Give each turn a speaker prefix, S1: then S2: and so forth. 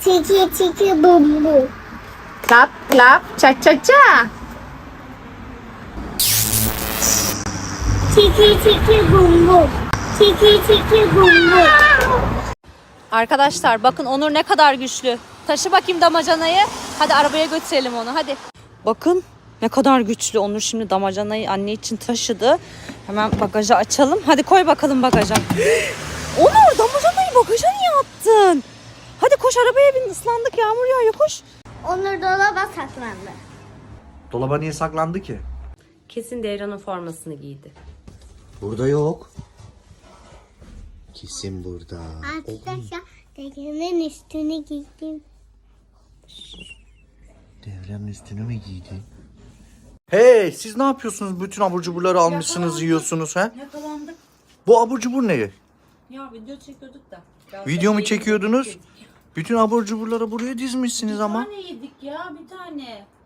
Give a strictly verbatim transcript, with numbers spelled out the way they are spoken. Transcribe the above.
S1: Tiki tiki bum bum.
S2: Klap klap ça ça ça.
S1: Tiki tiki bum bum. Tiki tiki bum bum.
S3: Arkadaşlar bakın Onur ne kadar güçlü. Taşı bakayım damacanayı. Hadi arabaya götürelim onu hadi. Bakın ne kadar güçlü. Onur şimdi damacanayı anne için taşıdı. Hemen bagajı açalım. Hadi koy bakalım bagaja. Onur damacanayı bagaja niye attın? Hadi koş arabaya bin, ıslandık, yağmur yağıyor, koş.
S1: Onur dolaba saklandı.
S4: Dolaba niye saklandı ki?
S3: Kesin Devran'ın formasını giydi.
S4: Burada yok. Kesin burada.
S1: Arkadaşlar dedemin üstünü giydim.
S4: Devranın üstünü mü giydi? Hey, siz ne yapıyorsunuz? Bütün abur cuburları almışsınız, yiyorsunuz ha?
S3: Yakalandık.
S4: Bu abur cubur ne?
S3: Ya video çekiyorduk da.
S4: Video mu çekiyordunuz? Bütün abur cuburları buraya dizmişsiniz ama.
S3: Bir tane yedik ya, bir tane.